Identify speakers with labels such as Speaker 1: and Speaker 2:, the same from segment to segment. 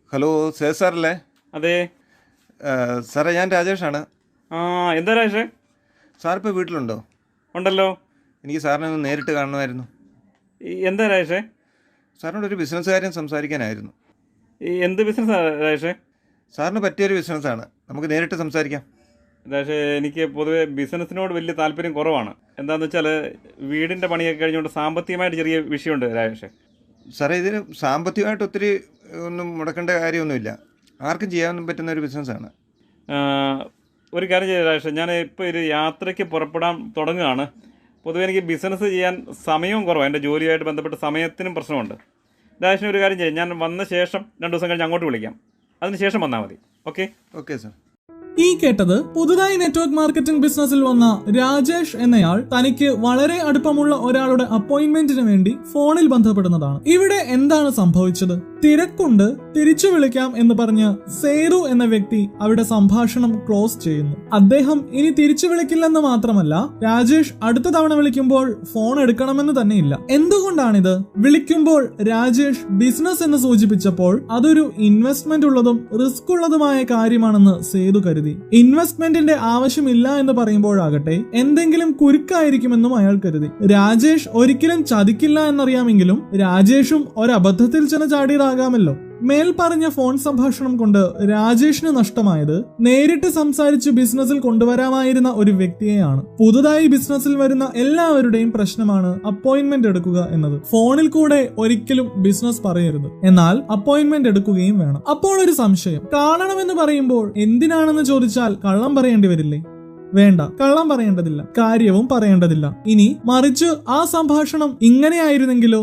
Speaker 1: Hello സാറല്ലേ?
Speaker 2: അതെ
Speaker 1: സാറേ, ഞാൻ രാജേഷാണ്.
Speaker 2: ആ എന്താ രാജേഷേ?
Speaker 1: സാറിപ്പോൾ വീട്ടിലുണ്ടോ?
Speaker 2: ഉണ്ടല്ലോ.
Speaker 1: എനിക്ക് സാറിനെ ഒന്ന് നേരിട്ട് കാണണമായിരുന്നു.
Speaker 2: എന്താ രാജേഷേ?
Speaker 1: സാറിനോടൊരു ബിസിനസ് കാര്യം സംസാരിക്കാനായിരുന്നു.
Speaker 2: എന്ത് ബിസിനസ്സാണ് രാജേഷേ?
Speaker 1: സാറിന് പറ്റിയൊരു ബിസിനസ്സാണ്, നമുക്ക് നേരിട്ട് സംസാരിക്കാം.
Speaker 2: രാജേഷേ, എനിക്ക് പൊതുവെ ബിസിനസ്സിനോട് വലിയ താല്പര്യം കുറവാണ്. എന്താണെന്ന് വെച്ചാൽ വീടിൻ്റെ പണിയൊക്കെ കഴിഞ്ഞുകൊണ്ട് സാമ്പത്തികമായിട്ട് ചെറിയ വിഷയമുണ്ട് രാജേഷേ.
Speaker 1: സാറേ, ഇതിന് സാമ്പത്തികമായിട്ട് ഒത്തിരി ഒന്നും മുടക്കേണ്ട കാര്യമൊന്നുമില്ല. ആർക്കും ചെയ്യാൻ പറ്റുന്ന ഒരു ബിസിനസ്സാണ്.
Speaker 2: ഒരു കാര്യം ചെയ്യാം രാജേഷേ, ഞാൻ ഇപ്പോൾ ഒരു യാത്രയ്ക്ക് പുറപ്പെടാൻ തുടങ്ങുകയാണ്. പൊതുവെ എനിക്ക് ബിസിനസ് ചെയ്യാൻ സമയവും കുറവാണ്. എൻ്റെ ജോലിയായിട്ട് ബന്ധപ്പെട്ട് സമയത്തിനും പ്രശ്നമുണ്ട്. രാജേഷിന് ഒരു കാര്യം ചെയ്യാം, ഞാൻ വന്ന ശേഷം 2 ദിവസം കഴിഞ്ഞ് അങ്ങോട്ട് വിളിക്കാം. അതിന് ശേഷം വന്നാൽ മതി. ഓക്കെ?
Speaker 1: Okay sir.
Speaker 3: ഈ കേട്ടത് പുതുതായി നെറ്റ്വർക്ക് മാർക്കറ്റിംഗ് ബിസിനസ്സിൽ വന്ന രാജേഷ് എന്നയാൾ തനിക്ക് വളരെ അടുപ്പമുള്ള ഒരാളുടെ അപ്പോയിന്റ്മെന്റിന് വേണ്ടി ഫോണിൽ ബന്ധപ്പെടുന്നതാണ്. ഇവിടെ എന്താണ് സംഭവിച്ചത്? തിരക്കുണ്ട്, തിരിച്ചു വിളിക്കാം എന്ന് പറഞ്ഞ് സേതു എന്ന വ്യക്തി അവിടെ സംഭാഷണം ക്ലോസ് ചെയ്യുന്നു. അദ്ദേഹം ഇനി തിരിച്ചു വിളിക്കില്ലെന്ന് മാത്രമല്ല, രാജേഷ് അടുത്ത തവണ വിളിക്കുമ്പോൾ ഫോൺ എടുക്കണമെന്ന് തന്നെയില്ല. എന്തുകൊണ്ടാണിത്? വിളിക്കുമ്പോൾ രാജേഷ് ബിസിനസ് എന്ന് സൂചിപ്പിച്ചപ്പോൾ അതൊരു ഇൻവെസ്റ്റ്മെന്റ് ഉള്ളതും റിസ്ക് ഉള്ളതുമായ കാര്യമാണെന്ന് സേതു കരുതി. ഇൻവെസ്റ്റ്മെന്റിന്റെ ആവശ്യമില്ല എന്ന് പറയുമ്പോഴാകട്ടെ എന്തെങ്കിലും കുരുക്കായിരിക്കുമെന്നും അയാൾ കരുതി. രാജേഷ് ഒരിക്കലും ചതിക്കില്ല എന്നറിയാമെങ്കിലും രാജേഷും ഒരബദ്ധത്തിൽ ചെന്ന് ചാടിയതാകാമല്ലോ. മേൽപ്പറഞ്ഞ ഫോൺ സംഭാഷണം കൊണ്ട് രാജേഷിന് നഷ്ടമായത് നേരിട്ട് സംസാരിച്ച് ബിസിനസ്സിൽ കൊണ്ടുവരാമായിരുന്ന ഒരു വ്യക്തിയെയാണ്. പുതുതായി ബിസിനസ്സിൽ വരുന്ന എല്ലാവരുടെയും പ്രശ്നമാണ് അപ്പോയിന്റ്മെന്റ് എടുക്കുക എന്നത്. ഫോണിൽ കൂടെ ഒരിക്കലും ബിസിനസ് പറയരുത്, എന്നാൽ അപ്പോയിന്റ്മെന്റ് എടുക്കുകയും വേണം. അപ്പോൾ ഒരു സംശയം, കാണണമെന്ന് പറയുമ്പോൾ എന്തിനാണെന്ന് ചോദിച്ചാൽ കള്ളം പറയേണ്ടി വരില്ലേ? വേണ്ട, കള്ളം പറയേണ്ടതില്ല, കാര്യവും പറയേണ്ടതില്ല. ഇനി മറിച്ച് ആ സംഭാഷണം ഇങ്ങനെയായിരുന്നെങ്കിലോ?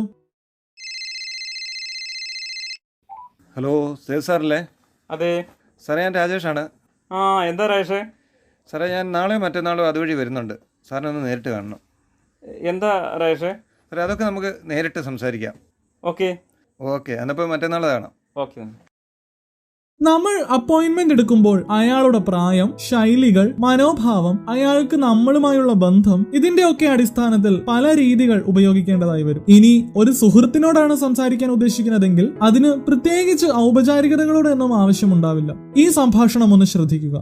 Speaker 1: ഹലോ സാറല്ലേ?
Speaker 2: അതെ
Speaker 1: സാറേ, ഞാൻ രാജേഷാണ്.
Speaker 2: എന്താ രാജേഷേ?
Speaker 1: സാറേ, ഞാൻ നാളെയോ മറ്റന്നാളോ അതുവഴി വരുന്നുണ്ട്. സാറിനെ ഒന്ന് നേരിട്ട് കാണണം.
Speaker 2: എന്താ രാജേഷേ?
Speaker 1: സാറേ, അതൊക്കെ നമുക്ക് നേരിട്ട് സംസാരിക്കാം.
Speaker 2: ഓക്കെ
Speaker 1: ഓക്കെ, എന്നപ്പോൾ മറ്റന്നാൾ കാണാം.
Speaker 2: ഓക്കെ.
Speaker 3: നമ്മൾ അപ്പോയിന്റ്മെന്റ് എടുക്കുമ്പോൾ അയാളുടെ പ്രായം, ശൈലികൾ, മനോഭാവം, അയാൾക്ക് നമ്മളുമായുള്ള ബന്ധം, ഇതിന്റെയൊക്കെ അടിസ്ഥാനത്തിൽ പല രീതികൾ ഉപയോഗിക്കേണ്ടതായി വരും. ഇനി ഒരു സുഹൃത്തിനോടാണ് സംസാരിക്കാൻ ഉദ്ദേശിക്കുന്നതെങ്കിൽ അതിന് പ്രത്യേകിച്ച് ഔപചാരികതകളോട് ഒന്നും ആവശ്യമുണ്ടാവില്ല. ഈ സംഭാഷണം ഒന്ന് ശ്രദ്ധിക്കുക.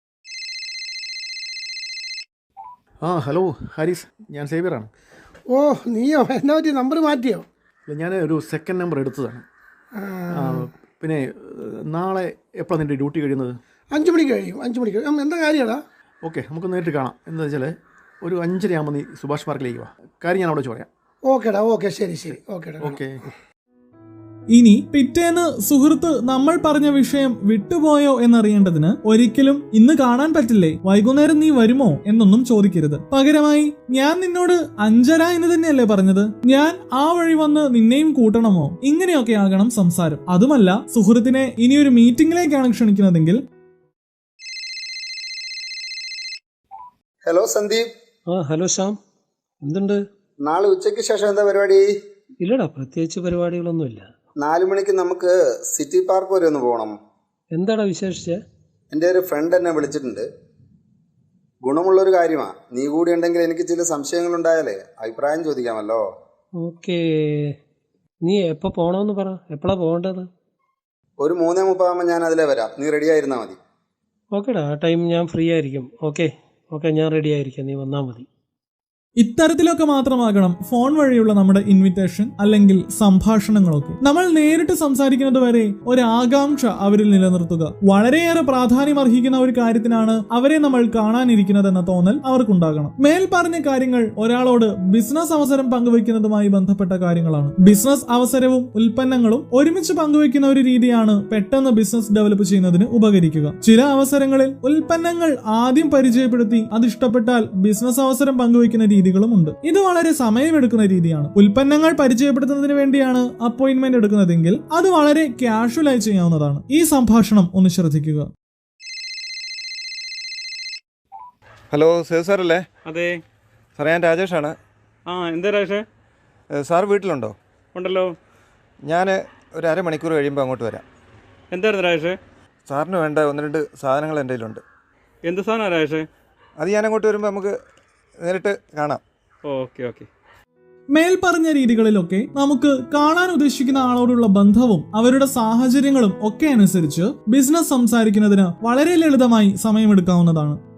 Speaker 4: ഹലോ ഹാരിസ്, ഞാൻ സേവ്യറാണ്.
Speaker 5: ഓ, നീയോ? എന്നാ പറ്റി, നമ്പർ മാറ്റിയോ?
Speaker 4: ഞാൻ ഒരു സെക്കൻഡ് നമ്പർ എടുത്തതാണ്. പിന്നെ നാളെ എപ്പോഴാണ് നിൻ്റെ ഡ്യൂട്ടി കഴിയുന്നത്?
Speaker 5: 5 മണിക്ക് കഴിയും. 5 മണിക്ക്. എന്താ കാര്യമാടാ?
Speaker 4: ഓക്കെ, നമുക്ക് നേരിട്ട് കാണാം. എന്താ വെച്ചാൽ ഒരു 5:30 ആകുമ്പോൾ നീ സുഭാഷ് പാർക്കിലേക്ക് വാ. കാര്യം ഞാൻ അവിടെ വെച്ച് പറയാം.
Speaker 5: ഓക്കേടാ, ഓക്കെ, ശരി ശരി, ഓക്കേടാ.
Speaker 4: ഓക്കെ.
Speaker 3: ഇനി പിറ്റേന്ന് സുഹൃത്ത് നമ്മൾ പറഞ്ഞ വിഷയം വിട്ടുപോയോ എന്നറിയേണ്ടതിന് ഒരിക്കലും ഇന്ന് കാണാൻ പറ്റില്ലേ, വൈകുന്നേരം നീ വരുമോ എന്നൊന്നും ചോദിക്കരുത്. പകരമായി, ഞാൻ നിന്നോട് 5:30 എന്ന് തന്നെയല്ലേ പറഞ്ഞത്, ഞാൻ ആ വഴി വന്ന് നിന്നെയും കൂട്ടണമോ? ഇങ്ങനെയൊക്കെ ആകണം സംസാരം. അതുമല്ല, സുഹൃത്തിനെ ഇനിയൊരു മീറ്റിംഗിലേക്കാണ് ക്ഷണിക്കുന്നതെങ്കിൽ,
Speaker 6: ഹലോ സന്ദീപ്.
Speaker 7: ഹലോ ശ്യാം, എന്തുണ്ട്?
Speaker 6: നാളെ ഉച്ചയ്ക്ക് ശേഷം എന്താ പരിപാടി?
Speaker 7: ഇല്ലടാ, പ്രത്യേകിച്ച് പരിപാടികളൊന്നുമില്ല.
Speaker 6: 4 മണിക്ക് നമുക്ക് സിറ്റി പാർക്ക് വരെ ഒന്ന് പോകണം.
Speaker 7: എന്താടാ വിശേഷിച്ച്?
Speaker 6: എൻ്റെ ഒരു ഫ്രണ്ട് എന്നെ വിളിച്ചിട്ടുണ്ട്. ഗുണമുള്ളൊരു കാര്യമാണ്. നീ കൂടി ഉണ്ടെങ്കിൽ എനിക്ക് ചില സംശയങ്ങളുണ്ടായാലേ അഭിപ്രായം ചോദിക്കാമല്ലോ.
Speaker 7: ഓക്കെ, നീ എപ്പോൾ പോകണമെന്ന് പറ. എപ്പോഴാണ് പോകേണ്ടത്?
Speaker 6: ഒരു 3:30 ആകുമ്പോൾ ഞാൻ അതിലേ വരാം. നീ റെഡി ആയിരുന്നാൽ മതി.
Speaker 7: ഓക്കെടാ, ആ ടൈം ഞാൻ ഫ്രീ ആയിരിക്കും. ഓക്കെ, ഞാൻ റെഡി ആയിരിക്കാം, നീ വന്നാൽ മതി.
Speaker 3: ഇത്തരത്തിലൊക്കെ മാത്രമാകണം ഫോൺ വഴിയുള്ള നമ്മുടെ ഇൻവിറ്റേഷൻ അല്ലെങ്കിൽ സംഭാഷണങ്ങളൊക്കെ. നമ്മൾ നേരിട്ട് സംസാരിക്കുന്നത് വരെ ഒരു ആകാംക്ഷ അവരിൽ നിലനിർത്തുക. വളരെയേറെ പ്രാധാന്യം അർഹിക്കുന്ന ഒരു കാര്യത്തിനാണ് അവരെ നമ്മൾ കാണാനിരിക്കുന്നതെന്ന തോന്നൽ അവർക്കുണ്ടാകണം. മേൽ പറഞ്ഞ കാര്യങ്ങൾ ഒരാളോട് ബിസിനസ് അവസരം പങ്കുവയ്ക്കുന്നതുമായി ബന്ധപ്പെട്ട കാര്യങ്ങളാണ്. ബിസിനസ് അവസരവും ഉൽപ്പന്നങ്ങളും ഒരുമിച്ച് പങ്കുവയ്ക്കുന്ന ഒരു രീതിയാണ് പെട്ടെന്ന് ബിസിനസ് ഡെവലപ്പ് ചെയ്യുന്നതിന് ഉപകരിക്കുക. ചില അവസരങ്ങളിൽ ഉൽപ്പന്നങ്ങൾ ആദ്യം പരിചയപ്പെടുത്തി അത് ഇഷ്ടപ്പെട്ടാൽ ബിസിനസ് അവസരം പങ്കുവയ്ക്കുന്ന രീതികളുമുണ്ട്. ഇത് വളരെ സമയമെടുക്കുന്ന രീതിയാണ്. ഉൽപ്പന്നങ്ങൾ പരിചയപ്പെടുത്തുന്നതിന് വേണ്ടിയാണ് അപ്പോയിന്റ്മെന്റ് എടുക്കുന്നതെങ്കിൽ അത് വളരെ കാഷ്വലായി ചെയ്യാവുന്നതാണ്. ഈ സംഭാഷണം ഒന്ന് ശ്രദ്ധിക്കുക.
Speaker 1: ഹലോ സാറല്ലേ?
Speaker 2: അതെ
Speaker 1: സാറേ, ഞാൻ രാജേഷാണ്.
Speaker 2: എന്താ രാജേഷേ?
Speaker 1: സാർ വീട്ടിലുണ്ടോ?
Speaker 2: ഉണ്ടല്ലോ.
Speaker 1: ഞാൻ ഒരു അരമണിക്കൂർ കഴിയുമ്പോൾ അങ്ങോട്ട് വരാം.
Speaker 2: എന്തായിരുന്നു രാജേഷേ?
Speaker 1: സാറിന് വേണ്ട 1-2 സാധനങ്ങൾ എൻ്റെ കയ്യിലുണ്ട്.
Speaker 2: എന്ത് സാധനമാണ് രാജേഷേ?
Speaker 1: അത് ഞാൻ അങ്ങോട്ട് വരുമ്പോൾ നമുക്ക് നേരിട്ട് കാണാം.
Speaker 2: ഓക്കെ.
Speaker 3: മേൽപ്പറഞ്ഞ രീതികളിലൊക്കെ നമുക്ക് കാണാൻ ഉദ്ദേശിക്കുന്ന ആളോടുള്ള ബന്ധവും അവരുടെ സാഹചര്യങ്ങളും ഒക്കെ അനുസരിച്ച് ബിസിനസ് സംസാരിക്കുന്നതിന് വളരെ ലളിതമായി സമയമെടുക്കാവുന്നതാണ്.